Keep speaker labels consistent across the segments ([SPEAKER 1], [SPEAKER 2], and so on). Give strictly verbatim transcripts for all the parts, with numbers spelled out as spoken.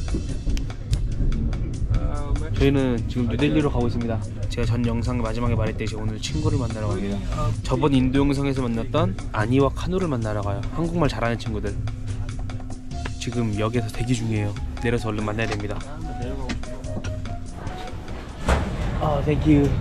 [SPEAKER 1] 저희는 지금 뉴델리로 가고 있습니다. 제가 전 영상 마지막에 말했듯이 오늘 친구를 만나러 갑니다. 저번 인도 영상에서 만났던 아니와 카누를 만나러 가요. 한국말 잘하는 친구들. 지금 역에서 대기 중이에요. 내려서 얼른 만나야 됩니다. 아, 땡큐.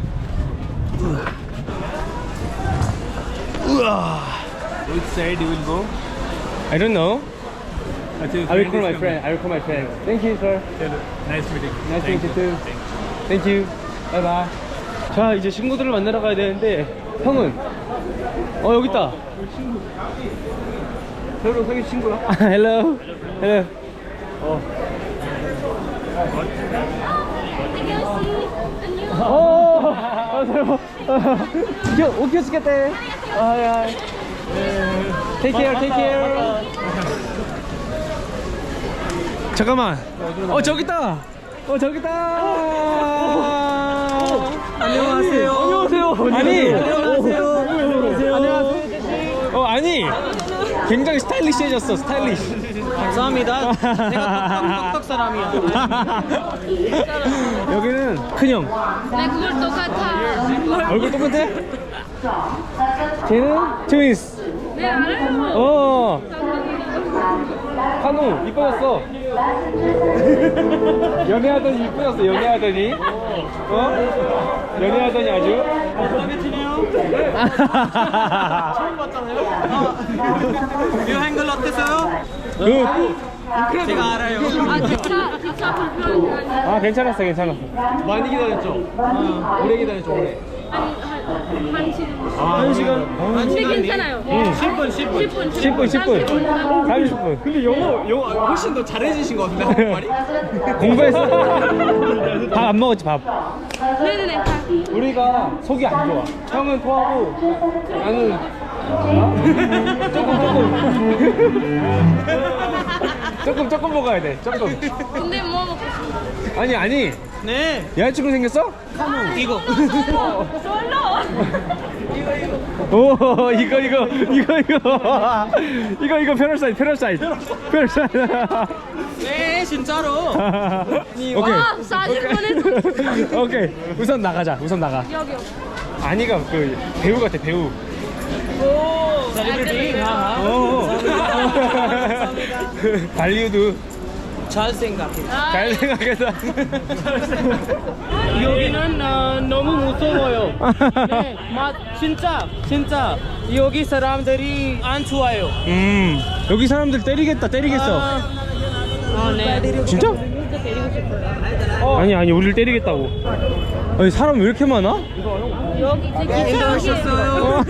[SPEAKER 1] 우와.
[SPEAKER 2] Which side you will go?
[SPEAKER 1] I don't know.
[SPEAKER 2] I
[SPEAKER 1] I will call my friend. I will call my friend. Thank you, sir.
[SPEAKER 2] Nice meeting.
[SPEAKER 1] Nice to meet you too. Thank you. Bye bye. 자, 이제 친구들을 만나러 가야 되는데 형은 어 여기 있다. 새로 생긴 친구야? Hello. Hello. 어. 어. 아, 새로. 오케이, 오케이. 아, 야. Take care, take care. 잠깐만. 어 저기 있다. 어 저기 있다. 안녕하세요. 안녕하세요. 아니. 안녕하세요. 안녕하세요. 어 아니. 굉장히 스타일리시해졌어. 스타일리시.
[SPEAKER 3] 감사합니다. 내가 똑똑똑 사람이야.
[SPEAKER 1] 여기는 큰형.
[SPEAKER 4] 내 그걸 똑같아.
[SPEAKER 1] 얼굴 똑같아? 쟤는 트윈스.
[SPEAKER 4] 네, 알아요.
[SPEAKER 1] 어. 한우 이뻐졌어. 연애하더니 이쁘졌어. 연애하더니 어? 연애하더니 아주
[SPEAKER 3] 마음에 드네요. 처음 봤잖아요. 이 행글 어땠어요?
[SPEAKER 1] 그,
[SPEAKER 3] 제가 알아요.
[SPEAKER 4] 아, 기차, 기차 불편.
[SPEAKER 1] 아 괜찮았어 괜찮았어.
[SPEAKER 3] 많이 기다렸죠? 어, 오래 기다렸죠, 오래.
[SPEAKER 4] 한, 한, 한 시간.
[SPEAKER 1] 한 시간?
[SPEAKER 3] 한
[SPEAKER 4] 근데
[SPEAKER 3] 시간
[SPEAKER 4] 괜찮아요.
[SPEAKER 1] 응.
[SPEAKER 3] 십 분, 십 분.
[SPEAKER 4] 십 분,
[SPEAKER 1] 십 분 십 분 삼십 분
[SPEAKER 3] 근데 영어, 영어 훨씬 더 잘해주신 것 같은데, 한국말이?
[SPEAKER 1] 공부했어. 밥 안 먹었지 밥.
[SPEAKER 4] 네네네.
[SPEAKER 1] 우리가 속이 안 좋아. 형은 토하고 나는 조금 조금 조금 조금 먹어야 돼. 조금.
[SPEAKER 4] 근데 뭐 먹고 싶어?
[SPEAKER 1] 아니 아니
[SPEAKER 3] 네.
[SPEAKER 1] 여자친구 생겼어?
[SPEAKER 3] 이거.
[SPEAKER 4] 솔로.
[SPEAKER 1] 오 이거 이거 이거 이거 이거 이거 페럴 사이즈 페럴 사이즈 페럴 사이즈.
[SPEAKER 3] 네, 진짜로.
[SPEAKER 1] 오케이
[SPEAKER 4] 와, 사진 보내줘.
[SPEAKER 1] 오케이 우선 나가자. 우선 나가.
[SPEAKER 4] 여기, 여기.
[SPEAKER 1] 아니가 그 배우 같아 배우.
[SPEAKER 3] 오, 셀리브리티.
[SPEAKER 1] 어. 발리우드
[SPEAKER 3] 잘 생각해.
[SPEAKER 1] 잘 생각해서.
[SPEAKER 3] 여기는 어, 너무 무서워요. 네, 맛 진짜 진짜 여기 사람들이 안 좋아요.
[SPEAKER 1] 음 여기 사람들 때리겠다 때리겠어.
[SPEAKER 3] 아, 네.
[SPEAKER 1] 진짜?
[SPEAKER 4] 진짜 데리고 싶어요.
[SPEAKER 1] 아니 아니 우리를 때리겠다고. 아니 사람 왜 이렇게 많아?
[SPEAKER 4] 여기 제
[SPEAKER 3] 인도하셨어요.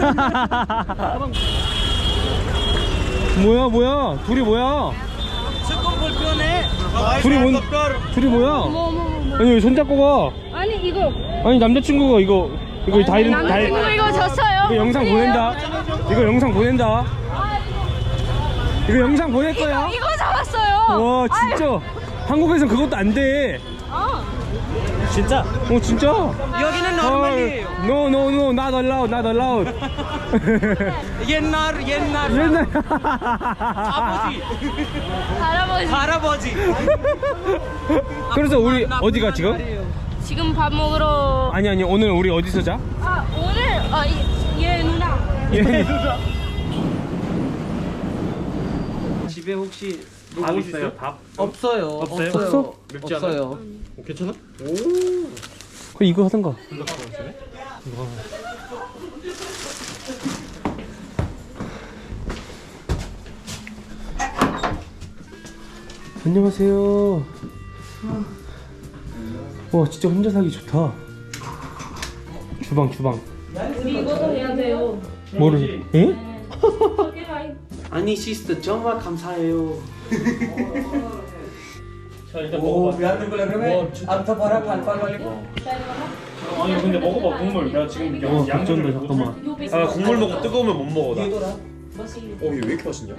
[SPEAKER 1] 뭐야 뭐야 둘이 뭐야?
[SPEAKER 3] 조금 불편해.
[SPEAKER 1] 둘이 뭔 둘이 뭐야?
[SPEAKER 4] 뭐, 뭐, 뭐, 뭐.
[SPEAKER 1] 아니 왜 손잡고
[SPEAKER 4] 아니, 이거.
[SPEAKER 1] 가? 아니 남자친구가 이거 이거 다 이런 다
[SPEAKER 4] 남자친구 이거 줬어요.
[SPEAKER 1] 이거 영상 보낸다. 이거 영상 보낸다. 이거 영상 보낼 거야.
[SPEAKER 4] 이거, 이거 잡았어요.
[SPEAKER 1] 와 진짜 한국에선 그것도 안 돼.
[SPEAKER 4] 아.
[SPEAKER 3] 진짜?
[SPEAKER 1] 어 진짜?
[SPEAKER 3] 여기는 노멀이에요.
[SPEAKER 1] No no no not allowed not allowed.
[SPEAKER 3] 옛날 옛날
[SPEAKER 1] 옛날
[SPEAKER 3] 아버지
[SPEAKER 4] 할아버지.
[SPEAKER 3] 할아버지.
[SPEAKER 1] 그래서 우리
[SPEAKER 3] 나쁜
[SPEAKER 1] 어디가 지금?
[SPEAKER 3] 말이에요.
[SPEAKER 4] 지금 밥 먹으러.
[SPEAKER 1] 아니 아니 오늘 우리 어디서 자?
[SPEAKER 4] 아, 오늘 아, 이, 얘 누나.
[SPEAKER 1] 예.
[SPEAKER 3] 집에 혹시
[SPEAKER 2] 밥 있어요? 밥?
[SPEAKER 3] 없어요.
[SPEAKER 2] 없어요?
[SPEAKER 1] 없어?
[SPEAKER 2] 맵지 않아요?
[SPEAKER 3] 없어요.
[SPEAKER 2] 어, 괜찮아?
[SPEAKER 1] 그 이거 하던가. 안녕하세요. 와 진짜 혼자 살기 좋다. 주방 주방.
[SPEAKER 4] 우리 이것도 해야 돼요.
[SPEAKER 1] 뭐를? 예?
[SPEAKER 4] 저기 가 있-
[SPEAKER 3] 아니 시스터 정말 감사해요.
[SPEAKER 1] 자 일단 먹어봐. 아니 근데 먹어봐 국물. 나 지금 양 양전도 잠깐만.
[SPEAKER 2] 아 국물 먹고 뜨거우면 못 먹어 나. 어 이거 왜 이렇게 맛있냐?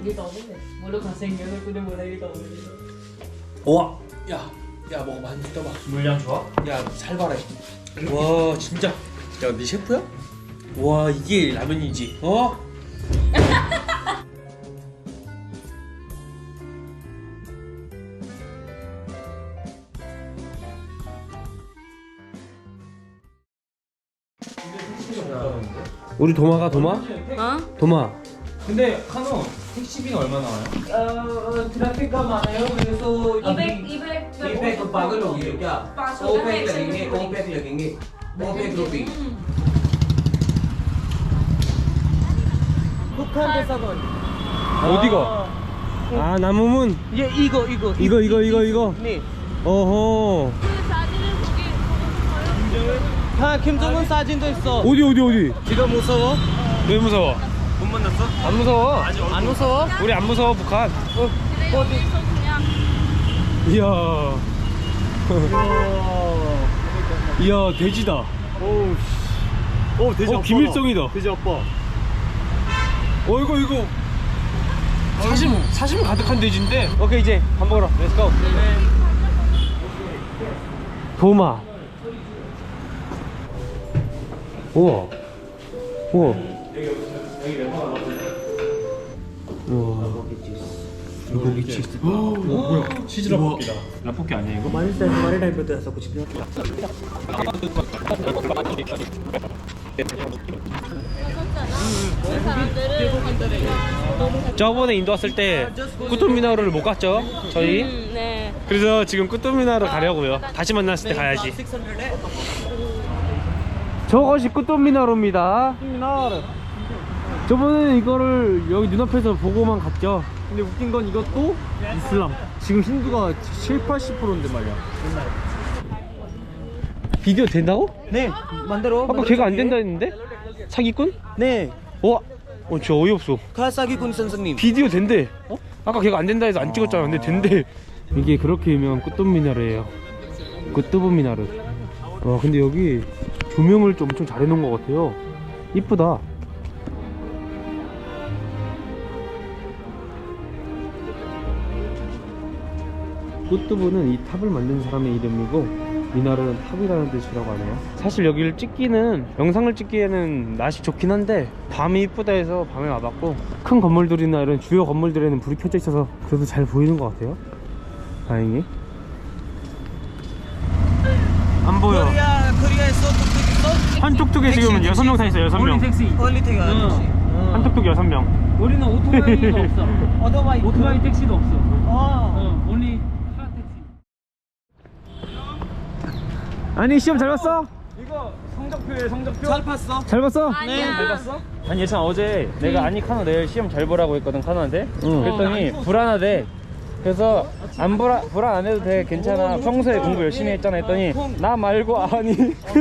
[SPEAKER 3] 와, 야, 야 먹어 많이 떠봐.
[SPEAKER 2] 물량 좋아?
[SPEAKER 3] 야 살벌해. 와 진짜. 야 네 셰프야? 와 이게 라면이지. 어?
[SPEAKER 1] 우리 도마가 도마?
[SPEAKER 4] 어?
[SPEAKER 1] 도마.
[SPEAKER 2] 근데 카노 택시비는 얼마 나와요?
[SPEAKER 3] 어, 트래픽가 많아요. 그래서
[SPEAKER 4] 이백, 이백,
[SPEAKER 5] पैक तो पागल हो गई हो क्या?
[SPEAKER 4] पाँच सौ
[SPEAKER 5] ओ
[SPEAKER 4] का
[SPEAKER 5] पैक
[SPEAKER 4] एक सौ
[SPEAKER 5] लगेंगे, ओ पैक लगेंगे, ओ पैक रुपी।
[SPEAKER 3] 북한 대사관.
[SPEAKER 1] 어디가? 아 나무문.
[SPEAKER 3] 예, 이거 이거
[SPEAKER 1] 이거 이거 이거 이거.
[SPEAKER 3] 네.
[SPEAKER 1] 어허.
[SPEAKER 3] 아, 김정은 사진도 있어.
[SPEAKER 1] 어디 어디 어디?
[SPEAKER 3] 지금 무서워?
[SPEAKER 1] 왜 무서워? 못 만났어? 안 무서워.
[SPEAKER 3] 안 무서워?
[SPEAKER 1] 우리 안 무서워 북한.
[SPEAKER 4] 어디?
[SPEAKER 1] 이야. 이야 돼지다.
[SPEAKER 2] 오, 오 돼지
[SPEAKER 1] 어
[SPEAKER 2] 아빠다.
[SPEAKER 1] 김일성이다.
[SPEAKER 2] 돼지 아빠.
[SPEAKER 1] 어 이거 이거 사심 사심 가득한 돼지인데. 오케이 이제 밥 먹으러 렛츠 고. 도마. 우와. 우와. 우와. 불고기 치즈. 어 뭐야?
[SPEAKER 2] 치즈 라볶이다. 라볶이 아니야 이거?
[SPEAKER 3] हमारे से हमारे टाइम पे तो ऐसा कुछ नहीं
[SPEAKER 1] 저번에 인도 왔을 때 꾸뚜미나루를 못 갔죠? 저희.
[SPEAKER 4] 음, 네.
[SPEAKER 1] 그래서 지금 꾸뚜미나루 가려고요. 다시 만났을 때 가야지. 저것이 꾸뚜미나루입니다. 저번에 이거를 여기 눈앞에서 보고만 갔죠.
[SPEAKER 3] 근데 웃긴 건 이것도 이슬람. 지금 힌두가 칠, 팔십 퍼센트인데 말이야.
[SPEAKER 1] 비디오 된다고?
[SPEAKER 3] 네, 만들어.
[SPEAKER 1] 아까 걔가 안 된다 했는데? 사기꾼?
[SPEAKER 3] 네,
[SPEAKER 1] 와, 어, 저 어이없어.
[SPEAKER 3] 가사기군 선생님.
[SPEAKER 1] 비디오 된대. 어? 아까 걔가 안 된다 해서 안 찍었잖아. 근데 된대. 이게 그렇게 유명한 꾸뚜미나루예요. 꾸뚜브미나루. 와, 근데 여기 조명을 좀 엄청 잘 해놓은 것 같아요. 이쁘다. 꾸뚜브는 이 탑을 만든 사람의 이름이고 미나루는 탑이라는 뜻이라고 하네요. 사실 여기를 찍기는 영상을 찍기에는 날씨 좋긴 한데 밤이 이쁘다 해서 밤에 와봤고 큰 건물들이나 이런 주요 건물들에는 불이 켜져 있어서 그래도 잘 보이는 것 같아요. 다행히. 안 보여.
[SPEAKER 3] 코리아, 코리아에서 뚝뚝 있어?
[SPEAKER 1] 한 뚝뚝에 지금 여섯 명 타 있어요. 여섯 명.
[SPEAKER 3] 홀리 택시.
[SPEAKER 1] 한 뚝뚝 여섯 명.
[SPEAKER 3] 우리는 오토바이도 없어. 오토바이, 오토바이 택시도 없어. 아, only 카 택시.
[SPEAKER 1] 아니 시험 잘 봤어?
[SPEAKER 3] 이거 성적표에 성적표. 잘 봤어?
[SPEAKER 1] 잘 봤어?
[SPEAKER 4] 아니야.
[SPEAKER 3] 잘 봤어?
[SPEAKER 1] 아니 예찬 어제 내가 아니 카노 내일 시험 잘 보라고 했거든 카노한테. 그랬더니 불안하대. 그래서 안 불안 불안 안 해도 돼 괜찮아 평소에 공부 열심히 했잖아 했더니 나 말고 아니.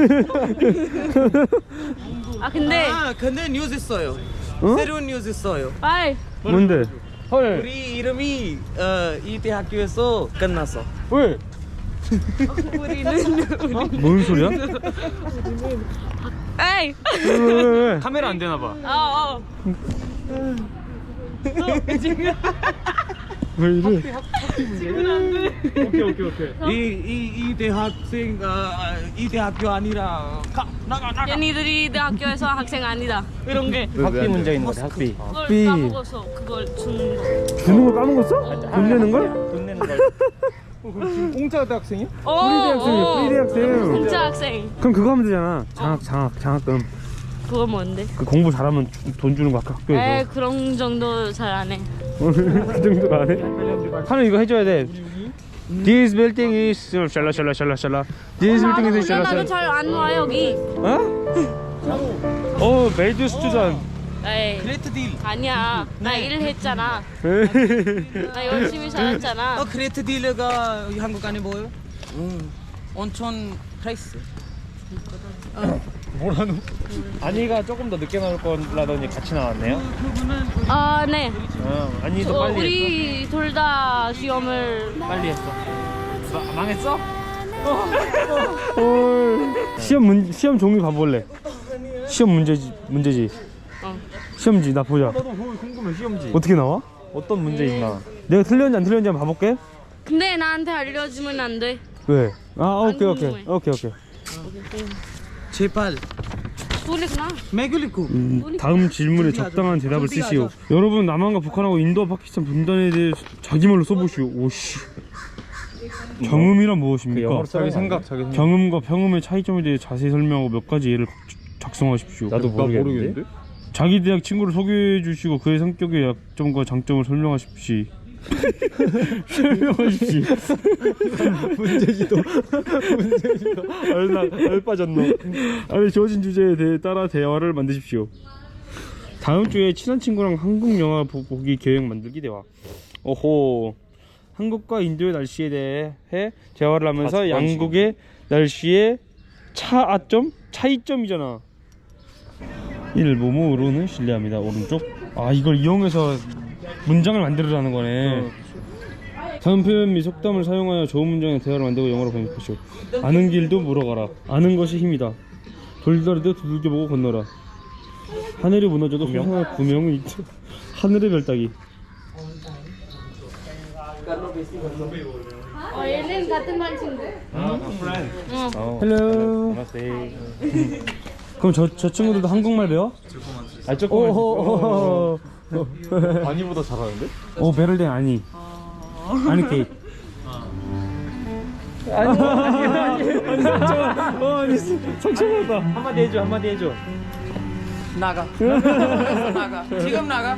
[SPEAKER 4] 아 근데
[SPEAKER 3] 아, 근데 뉴스 있어요.
[SPEAKER 1] 어?
[SPEAKER 3] 새로운 뉴스 있어요.
[SPEAKER 4] 빨리.
[SPEAKER 1] 뭔데? 헐.
[SPEAKER 3] 우리 이름이 어, 이 대학교에서 끝났어.
[SPEAKER 1] 왜?
[SPEAKER 4] 우리는
[SPEAKER 1] 뭔 소리야?
[SPEAKER 4] 에이.
[SPEAKER 1] 왜, 왜, 왜?
[SPEAKER 3] 카메라 안 되나 봐.
[SPEAKER 4] 어 어.
[SPEAKER 1] 왜 이래?
[SPEAKER 3] 오케이 오케이 오케이. 이이 이 대학생 아, 이 대학교 아니라 가, 나가 나가.
[SPEAKER 4] 얘네들이 대학교에서 학생 아니다.
[SPEAKER 3] 이런 게
[SPEAKER 1] 학비 문제 있는 거지 학비.
[SPEAKER 4] 그걸
[SPEAKER 1] 학비.
[SPEAKER 4] 까먹어서 그걸 주는 거.
[SPEAKER 1] 주는 걸 까먹었어? 돈 내는 걸?
[SPEAKER 3] 돈 내는 걸. 지금 공짜 대학생이야?
[SPEAKER 4] 어,
[SPEAKER 1] 프리 대학생이야
[SPEAKER 4] 어.
[SPEAKER 1] 프리 대학생.
[SPEAKER 4] 공짜 학생.
[SPEAKER 1] 그럼 그거 하면 되잖아. 장학 장학 장학금.
[SPEAKER 4] 그거 뭔데?
[SPEAKER 1] 그 공부 잘하면 주- 돈 주는 거 아까
[SPEAKER 4] 에
[SPEAKER 1] 학교에서.
[SPEAKER 4] 그런 정도 잘 안 해.
[SPEAKER 1] 그 정도 안 해? 하는 이거 해줘야 돼. This building is 샬라 샬라 샬라 샬라. This building is 샬라
[SPEAKER 4] 나도
[SPEAKER 1] 샬라.
[SPEAKER 4] 잘 안 와 여기.
[SPEAKER 1] 어? 어, 메이드 스튜던.
[SPEAKER 4] 에이
[SPEAKER 3] 그레이트 딜.
[SPEAKER 4] 아니야. 나 일했잖아. 나 열심히 살았잖아.
[SPEAKER 3] 어 그레이트 딜가 한국 안에 뭐예요? 음. 온천 프라이스.
[SPEAKER 1] 뭐라노? 아니가 조금 더 늦게 나올 거라더니 같이 나왔네요.
[SPEAKER 3] 그분은
[SPEAKER 4] 아 네.
[SPEAKER 1] 어, 아니도
[SPEAKER 4] 저,
[SPEAKER 1] 빨리 했어.
[SPEAKER 4] 우리 둘 다 시험을
[SPEAKER 1] 빨리 했어. 마, 망했어? 헐. 시험 문 시험 종류 봐볼래? 시험 문제지 문제지.
[SPEAKER 4] 어.
[SPEAKER 1] 시험지 나 보자.
[SPEAKER 2] 나도 그거 궁금해 시험지.
[SPEAKER 1] 어떻게 나와? 어떤 문제 있나? 내가 틀렸는지 안 틀렸는지 한번 봐볼게.
[SPEAKER 4] 근데 나한테 알려주면 안 돼.
[SPEAKER 1] 왜? 아 오케이
[SPEAKER 4] 안
[SPEAKER 1] 오케이
[SPEAKER 4] 궁금해.
[SPEAKER 1] 오케이 오케이.
[SPEAKER 3] 제발.
[SPEAKER 4] Sulit na.
[SPEAKER 3] 매글리쿠.
[SPEAKER 1] 음, 다음 질문에 적당한 대답을 쓰시오. 여러분 남한과 북한하고 인도와 파키스탄 분단에 대해 자기 말로 써보시오. 오씨. 경음이란 무엇입니까?
[SPEAKER 2] 자기 생각 자기 생각.
[SPEAKER 1] 경음과 평음의 차이점에 대해 자세히 설명하고 몇 가지 예를 각- 작성. 작성하십시오.
[SPEAKER 2] 나도 모르겠는데.
[SPEAKER 1] 자기 대학 친구를 소개해 주시고 그의 성격의 약점과 장점을 설명하십시오. 설명하십시오.
[SPEAKER 2] 문제지도 문제지도
[SPEAKER 1] 알나 알 빠졌노. 아니 주어진 주제에 대해 따라 대화를 만드십시오. 다음 주에 친한 친구랑 한국 영화 보- 보기 계획 만들기 대화. 오호. 한국과 인도의 날씨에 대해 대화를 하면서
[SPEAKER 2] 아,
[SPEAKER 1] 양국의 날씨의 차아점 차이점이잖아. 일 모모로는 신뢰합니다. 오른쪽. 아 이걸 이용해서 문장을 만들으라는 거네. 다음 표현 및 속담을 사용하여 좋은 문장의 대화를 만들고 영어로 번역하시오. 아는 길도 물어가라. 아는 것이 힘이다. 돌다리도 두들겨보고 건너라. 하늘이 무너져도 소상할 구명은 있다. 하늘의 별 따기.
[SPEAKER 4] 어, 얘는 같은 반 친구. 응.
[SPEAKER 1] 헬로. 그럼 저, 저 친구들도 한국말 배워?
[SPEAKER 2] 아 조금만
[SPEAKER 1] 오호호호.
[SPEAKER 2] 아니보다 잘하는데?
[SPEAKER 1] 오 베를린 아니. 아니 케이크. 아니 아니 아니 아니 상처. 어 아니 상처받아. 한마디 해줘 한마디 해줘.
[SPEAKER 3] 나가. 나가. 지금 나가.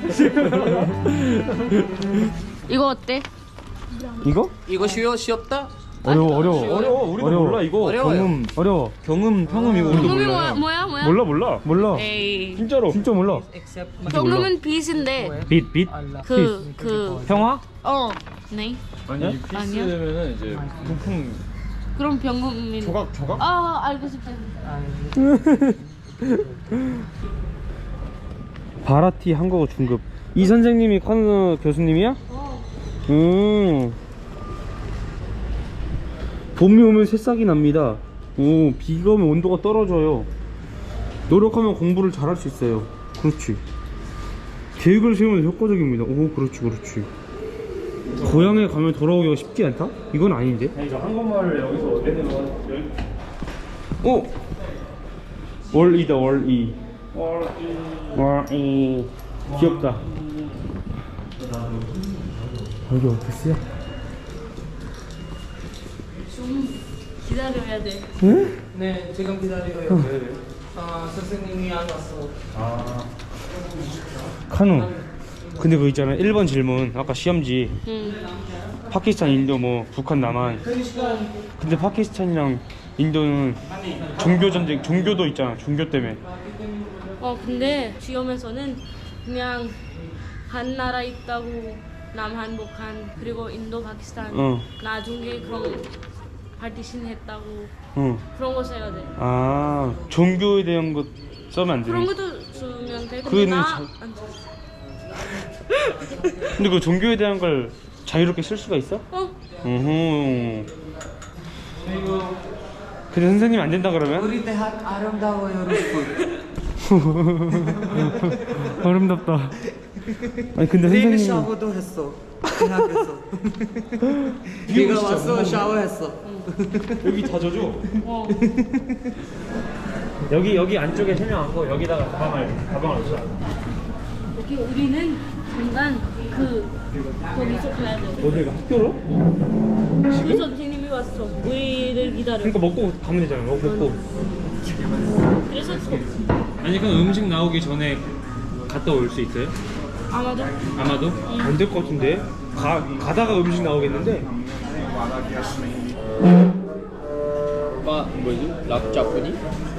[SPEAKER 4] 이거 어때?
[SPEAKER 1] 이거?
[SPEAKER 3] 이거 쉬워 쉬었다.
[SPEAKER 1] 어려워 어려워
[SPEAKER 2] 어려워. 우리도
[SPEAKER 1] 어려워.
[SPEAKER 2] 몰라 이거.
[SPEAKER 3] 어려워요.
[SPEAKER 2] 경음
[SPEAKER 1] 어려워.
[SPEAKER 2] 경음 평음 이거 우리도
[SPEAKER 4] 경음이
[SPEAKER 2] 몰라.
[SPEAKER 4] 뭐야? 뭐야? 뭐야?
[SPEAKER 1] 몰라 몰라 몰라.
[SPEAKER 4] 에이.
[SPEAKER 2] 진짜로.
[SPEAKER 1] 진짜 몰라.
[SPEAKER 4] 경음은 빛인데
[SPEAKER 1] 빛 빛.
[SPEAKER 4] 그 그
[SPEAKER 1] 평화?
[SPEAKER 4] 어. 네.
[SPEAKER 2] 아니
[SPEAKER 4] 아니야?
[SPEAKER 2] 피스면은 이제 부품
[SPEAKER 4] 그럼 병금민.
[SPEAKER 2] 조각 조각?
[SPEAKER 4] 아 알고 싶다.
[SPEAKER 1] 바라티 한국어 중급. 이 선생님이 카누 교수님이야?
[SPEAKER 4] 어.
[SPEAKER 1] 음. 봄이 오면 새싹이 납니다. 오, 비가 오면 온도가 떨어져요. 노력하면 공부를 잘할 수 있어요. 그렇지. 계획을 세우면 효과적입니다. 오, 그렇지, 그렇지. 고향에 가면 돌아오기가 쉽지 않다? 이건 아닌데? 아니, 저 한국말을 여기서 애들 오! 월이다, 월이. 월이. 월이. 귀엽다. 여기 오피스야?
[SPEAKER 4] 좀 기다려야 돼.
[SPEAKER 1] 응?
[SPEAKER 3] 네, 지금 기다려요. 아, 선생님이 안 왔어.
[SPEAKER 1] 카누. 근데 그거 있잖아. 일 번 질문. 아까 시험지.
[SPEAKER 4] 응.
[SPEAKER 1] 파키스탄, 인도, 뭐 북한, 남한. 근데 파키스탄이랑 인도는 종교 전쟁, 종교도 있잖아. 종교 때문에.
[SPEAKER 4] 어 근데 시험에서는 그냥 한 나라 있다고 남한, 북한 그리고 인도, 파키스탄
[SPEAKER 1] 어.
[SPEAKER 4] 나중에 그런 파티션 했다고
[SPEAKER 1] 응.
[SPEAKER 4] 그런 거 써야 돼.
[SPEAKER 1] 아, 종교에 대한 것 써면 안
[SPEAKER 4] 그런
[SPEAKER 1] 되네.
[SPEAKER 4] 것도 쓰면 돼. 근데
[SPEAKER 1] 그거는
[SPEAKER 4] 나
[SPEAKER 1] 자-
[SPEAKER 4] 안 써.
[SPEAKER 1] 근데 그 종교에 대한 걸 자유롭게 쓸 수가 있어?
[SPEAKER 4] 어?
[SPEAKER 1] 어허. 근데 선생님 안 된다 그러면?
[SPEAKER 3] 우리 대학 아름다워요, 여러분.
[SPEAKER 1] 아름답다. 아니 근데
[SPEAKER 3] 내일
[SPEAKER 1] 선생님
[SPEAKER 3] 샤워도 했어. 대학에서. 비가 왔어, 샤워했어.
[SPEAKER 1] 여기 다 젖어.
[SPEAKER 4] 어.
[SPEAKER 1] 여기 여기 안쪽에 세명하고 여기다가 가방을 가방을 넣자.
[SPEAKER 4] 여기 우리는 잠깐 그 거기서 가야 돼.
[SPEAKER 1] 어디가 학교로?
[SPEAKER 4] 우리 선생님이 왔어. 우리를 기다려.
[SPEAKER 1] 그러니까 먹고 가면 되잖아. 먹고 먹고.
[SPEAKER 4] 그래서
[SPEAKER 1] 아니 그럼 음식 나오기 전에 갔다 올 수 있어요?
[SPEAKER 4] 아마도
[SPEAKER 1] 아마도? 안 될 것 같은데. 가 가다가 음식 나오겠는데.
[SPEAKER 3] 마 뭐지? 랍자꾸니?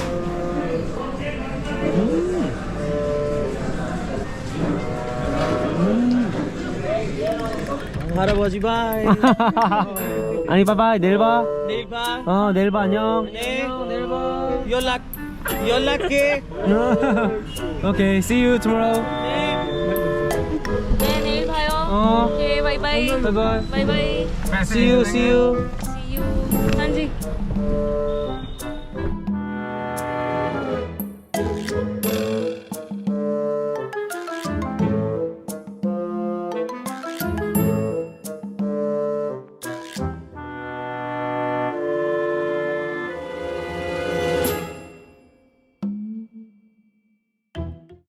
[SPEAKER 3] 할아버지 바이.
[SPEAKER 1] 아니 바이바이 내일 봐.
[SPEAKER 3] 내일 봐.
[SPEAKER 1] 어 내일 봐 안녕.
[SPEAKER 3] 네, 내일 봐. 연락 연락해.
[SPEAKER 1] Okay, see you tomorrow.
[SPEAKER 4] 네 내일 봐요.
[SPEAKER 1] 어.
[SPEAKER 4] 오케이 바이바이.
[SPEAKER 1] 바이바이.
[SPEAKER 4] 바이바이.
[SPEAKER 1] See you, see you.
[SPEAKER 4] See you. 한지.